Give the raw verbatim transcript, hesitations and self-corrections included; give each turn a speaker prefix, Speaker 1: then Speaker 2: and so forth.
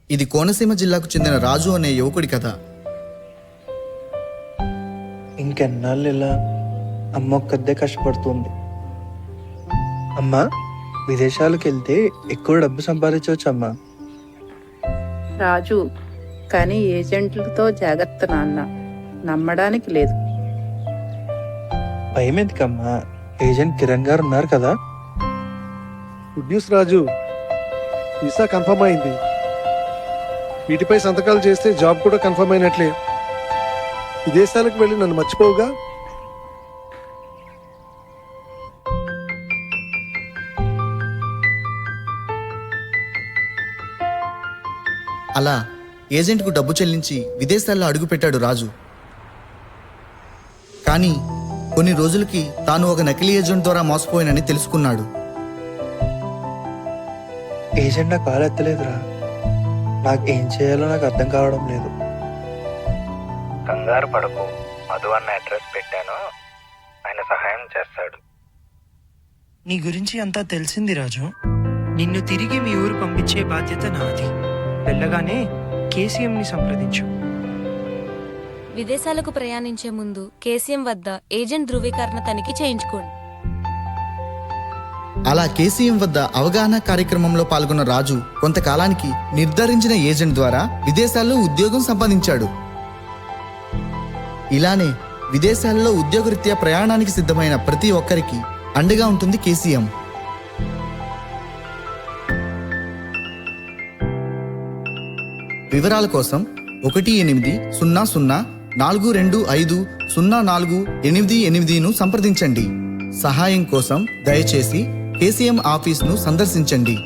Speaker 1: ఇది కోనసీమ జిల్లాకు చెందిన రాజు అనే యువకుడి కథ.
Speaker 2: ఇంకెన్నాళ్ళు ఇలా అమ్మ ఒక్కదే కష్టపడుతుంది. అమ్మ, విదేశాలకు వెళ్తే ఎక్కువ డబ్బు సంపాదించవచ్చు అమ్మా.
Speaker 3: రాజు, కానీ ఏజెంట్లతో జాగ్రత్త నాన్న, నమ్మడానికి లేదు.
Speaker 2: భయం ఎందుకమ్మా? ఏజెంట్ కిరణ్ గారు ఉన్నారు కదా.
Speaker 4: Good news Raju, visa confirm అయింది. వీటిపై సంతకాలు చేస్తే జాబ్ కూడా కన్ఫర్మ్ అయినట్లే. విదేశాలకు వెళ్ళి నన్ను మర్చిపోవుగా.
Speaker 1: అలా ఏజెంట్కు డబ్బు చెల్లించి విదేశాల్లో అడుగుపెట్టాడు రాజు. కానీ కొన్ని రోజులకి తాను ఒక నకిలీ ఏజెంట్ ద్వారా మోసపోయానని తెలుసుకున్నాడు.
Speaker 2: ఏజెంట్ నా కాలు ఎత్తలేదురా. నాకు ఏం చేయాలో నాకు అర్థం కావడం లేదు.
Speaker 5: కంగారు పడకు, మధు అన్న అడ్రస్ పెట్టాను, ఆయన సహాయం చేస్తాడు.
Speaker 6: నీ గురించి అంతా తెలిసింది రాజు. నిన్ను తిరిగి మీ ఊరు పంపించే బాధ్యత నాది. వెళ్ళగానే కేసీఎంని సంప్రదించు.
Speaker 7: విదేశాలకు ప్రయాణించే ముందు కేసీఎం వద్ద ఏజెంట్ ధృవీకరణ తనిఖీ చేయించుకోండి.
Speaker 1: అలా కేసీఎం వద్ద అవగాహన కార్యక్రమంలో పాల్గొన్న రాజు కొంతకాలానికి నిర్ధారించిన ఏజెంట్ ద్వారా విదేశాల్లో ఉద్యోగం సంపాదించాడు. ఇలానే విదేశాల్లో ఉద్యోగరీత్యా ప్రయాణానికి సిద్ధమైన ప్రతి ఒక్కరికి అండగా ఉంటుంది కేసీఎం. వివరాల కోసం ఒకటి ఎనిమిది సున్నా సున్నా నాలుగు రెండు ఐదు సున్నా నాలుగు ఎనిమిది ఎనిమిదిను సంప్రదించండి. సహాయం కోసం దయచేసి కేసీఎం ఆఫీస్ను సందర్శించండి.